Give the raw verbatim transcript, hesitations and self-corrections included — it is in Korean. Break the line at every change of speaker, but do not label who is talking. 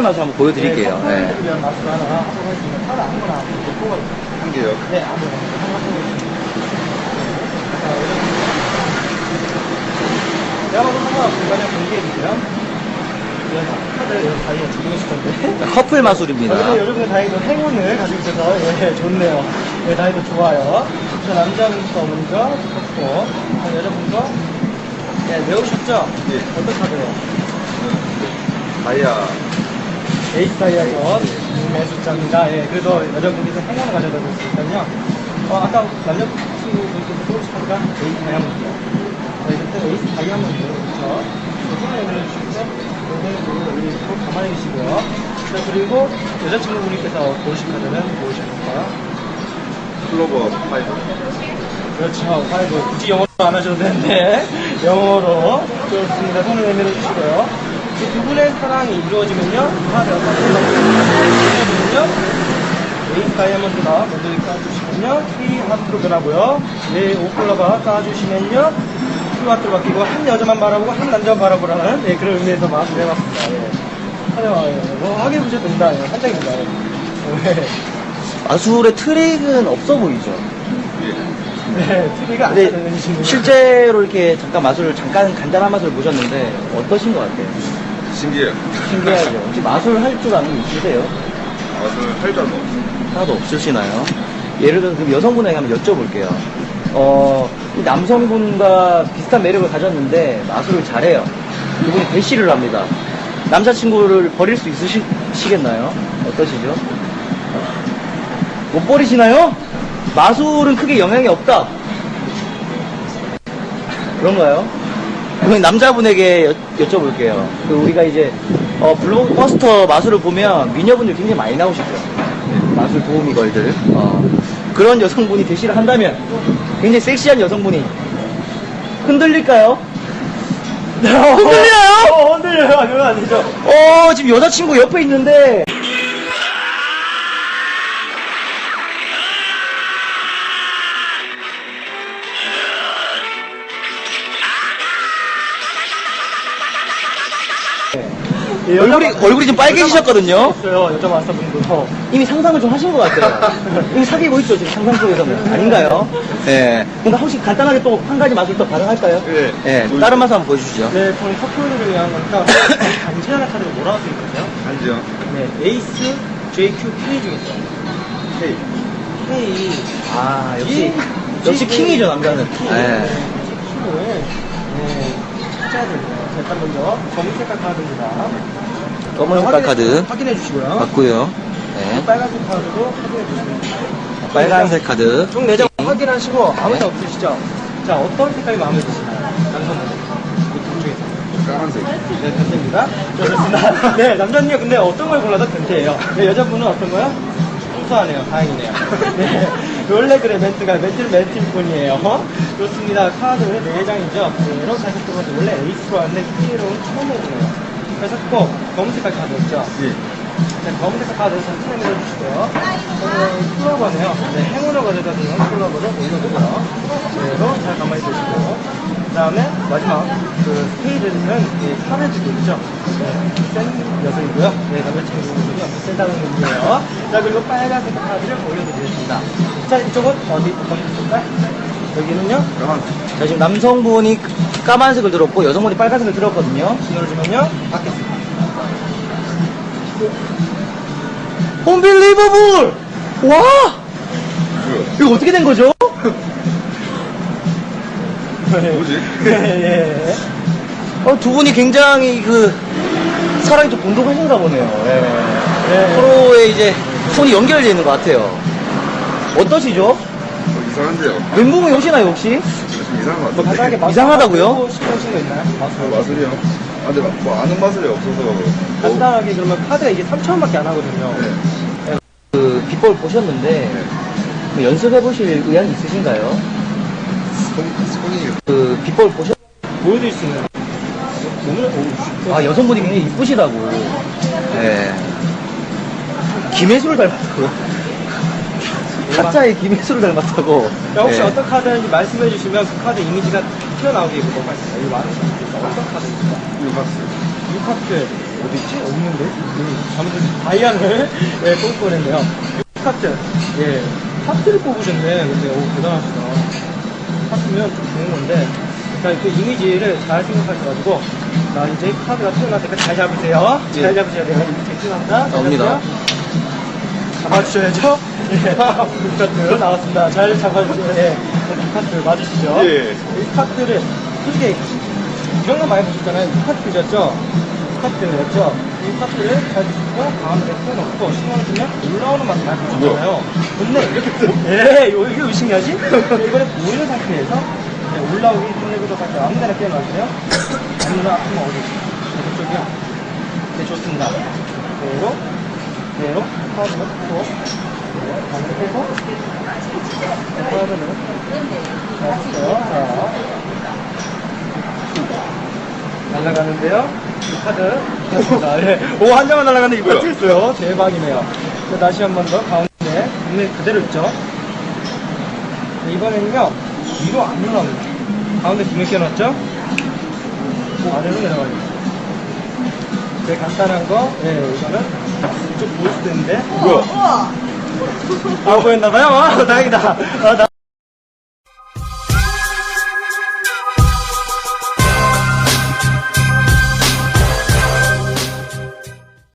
마술 한번 보여드릴게요.
네,
네.
커플을 위한 마술 하나 하도록 하겠습니다. 카드 아무거나 한번 뽑아주세요.
한 개요.
네, 아무거나 하나 뽑아주세요. 내가 봐도 상관없으니까 그냥 공개해주세요. 카드 다이어 적용했을 건데.
커플 마술입니다.
아, 여러분의 다이도 행운을 가지고 있어서 예, 좋네요. 예, 다이도 좋아요. 저 남자분부터 먼저 뽑고 여자분도 예, 외우셨죠?
예.
어떤 카드예요?
다이아.
에이스 다이아서 네, 숫자입니다. 예, 그래도 여자분께서 행운을 가져다 줬으니까요. 어, 아까 남자친구분께서 뽑으신 카드가 에이스 다이아몬드예요. 네, 그때 에이스 다이아몬드 그렇죠? 행운을 가져주시고 여기 가만히 계시고요. 자, 그리고 여자친구분께서 고르신 카드는 무엇일까요?
클로버 파이브.
그렇죠. 파이브. 굳이 영어로 안 하셔도 되는데, 영어로. 좋습니다. 손을 내밀어 주시고요. 이 두 분의 사랑이 이루어지면요, 카드가 이루어지면요, 에이스 다이아몬드가 먼저 이렇게 까주시면요, K 하트로 변하고요, 네, 오클러가 까주시면요, Q 하트로 바뀌고, 한 여자만 바라보고, 한 남자만 바라보라는, 네, 그런 의미에서 마음을 해봤습니다. 예. 하여튼, 뭐, 확인해 보셔도 된다. 예, 한장입니다. 예.
마술의 트릭은 없어 보이죠?
네, 티비가 안
근데
되는 친구.
실제로 이렇게 잠깐 마술을, 잠깐 간단한 마술을 보셨는데, 어떠신 것 같아요?
신기해요.
신기하죠? 혹시 마술 할 줄 아는 분 있으세요?
마술 할 줄 알고 없어요.
하나도 없으시나요? 예를 들어서 그럼 여성분에게 한번 여쭤볼게요. 어, 이 남성분과 비슷한 매력을 가졌는데 마술을 잘해요. 그분이 대시를 합니다. 남자친구를 버릴 수 있으시겠나요? 어떠시죠? 못 버리시나요? 마술은 크게 영향이 없다. 그런가요? 그럼 남자분에게 여, 여쭤볼게요. 그 우리가 이제 어, 블록버스터 마술을 보면 미녀분들 굉장히 많이 나오시죠. 마술 도우미 걸들. 어, 그런 여성분이 대시를 한다면 굉장히 섹시한 여성분이 흔들릴까요? 흔들려요?
어, 흔들려요. 아니면 아니죠.
어, 지금 여자친구 옆에 있는데
예,
얼굴이,
여자
얼굴이 좀 빨개지셨거든요?
있어요. 여자 마스터분도.
이미 상상을 좀 하신 것 같아요. 이미 사귀고 있죠, 지금 상상 속에서는. 아닌가요? 예. 뭔가 혹시 간단하게 또 한 가지 마술 또 가능할까요?
예.
예. 다른 마술 한번 보여주시죠.
네, 저는 커플을 위한 거니까 간지하는 카드가 뭐라고 써있거든요?
한지영.
네, 에이스, 제이큐, K 중에서.
K.
K.
아, 역시,
G,
역시
G,
킹이죠, 남자는.
K.
예.
네, 네, 숫자들. 자, 일단 먼저 검은 색깔 카드입니다.
검은 색깔
확인해-
카드
확인해 주시고요.
맞고요. 네.
빨간색 카드도 확인해 주시면
빨간색 카드.
총 네 장 확인하시고 아무 데 없으시죠? 자, 어떤 색깔이 마음에 드시나요? 남성분. 이둘 중에서.
까만색.
네, 변태입니다. 좋습니다. 네, 남자님 근데 어떤 걸 골라도 변태예요. 네, 여자분은 어떤 거요? 순수하네요. 다행이네요. 네, 원래 그래 멘트가 멘트는 멘트일 뿐이에요. 좋습니다. 카드 네 장이죠. 네, 이렇게 하셨던 것도 원래 에이스로 왔는데 K로는 처음 해보네요. 그래서 꼭 검은 색깔 카드였죠.
예.
네, 검은 색깔 카드 선택해 주시고요. 저는 쿨러버네요. 네, 행운을 가져다 주는 쿨러버를 올려주고요. 네, 이거 잘 가만히 보시고. 그 다음에 마지막 그 스테이지는 이 팔을 주고 있죠. 네, 센 여성이고요. 네, 남자친구분은요. 센다는 의미예요. 자, 그리고 빨간색 카드를 올려드리겠습니다. 자, 이쪽은 어디 먼저 볼까요? 여기는요.
까만색.
자, 지금 남성분이 까만색을 들었고 여성분이 빨간색을 들었거든요.
신호를 주면요. 받겠습니다.
Unbelievable! 와!
뭐야?
이거 어떻게 된 거죠?
뭐지?
예, 예.
어, 두 분이 굉장히 그 사랑이 좀 돈독하신가 보네요. 예.
예.
서로의 이제 손이 연결되어 있는 것 같아요. 어떠시죠?
어, 이상한데요.
멘붕이 오시나요 혹시?
좀 이상한 것
뭐
같은데.
간단하게 마술
이상하다고요?
하고 싶으신 거 있나요?
아,
마술.
마술이요? 아, 근데 뭐 아는 마술이 없어서. 뭐,
간단하게 그러면 카드가 이게 삼천 원밖에 안 하거든요.
네.
그 비법을 보셨는데 뭐 연습해보실 의향이 있으신가요?
손, 손이.
그 비법을 보셨...
보여드릴 수 있는 몸을 오,
아, 여성분이 굉장히 이쁘시다고. 네. 김혜수를 닮았다고. 가짜의 김혜수를 닮았다고.
자, 혹시
네.
어떤 카드인지 말씀해 주시면 그 카드 이미지가 튀어나오게 보도록 하겠습니다. 이거 많으신 분께서 어떤 카드입니까?
유박스.
유카트. 어디 있지? 없는데? 잘못해서 다이아를 예, 뽑을 뻔했네요. 카트. 예. 카트를 뽑으셨네. 근데, 오, 대단하시다. 카트면 좀 좋은 건데. 자, 그 이미지를 잘 생각하셔가지고, 자, 이제 카드가 튀어나왔으니까 잘 잡으세요. 잘
예.
잡으셔야 돼요. 이렇게 튀어나온다.
나옵니다.
잡아주셔야죠. 예. 카트 나왔습니다. 잘 잡아주세요. 예. 이 카트 맞으시죠?
예.
이 카트를, 솔직히, 이런 거 많이 보셨잖아요. 이 카트였죠? 이 카트였죠? 이 카트를 잘 드시고, 가운데 펴놓고, 신호를 주면 올라오는 맛을 많이 보셨잖아요. 근데, 이렇게, 보, 예, 이거 이게 왜 신기하지? 이거를 보이는 상태에서, 네, 올라오기 전에부터 같이 아무 데나 깨어나주세요. 아무나 한번 어디, 이쪽이요. 네, 좋습니다. 그대로, 그대로, 카드를 펴고, 가운데 빼고, 카드를, 자, 자, 날아가는데요. 이 카드. 자, 예. 오, 한 장만 날아가는데 이거
뭐야?
튀었어요. 대박이네요. 자, 다시 한 번 더 가운데. 눈에 그대로 있죠. 네, 이번에는요. 위로 안 올라옵니다. 가운데 두개 껴놨죠? 아래로 내려가요. 되게 간단한 거. 예, 이거는 좀 보일 수도 있는데.
뭐야?
아, 보였나봐요? 아, 다행이다. 아, 나...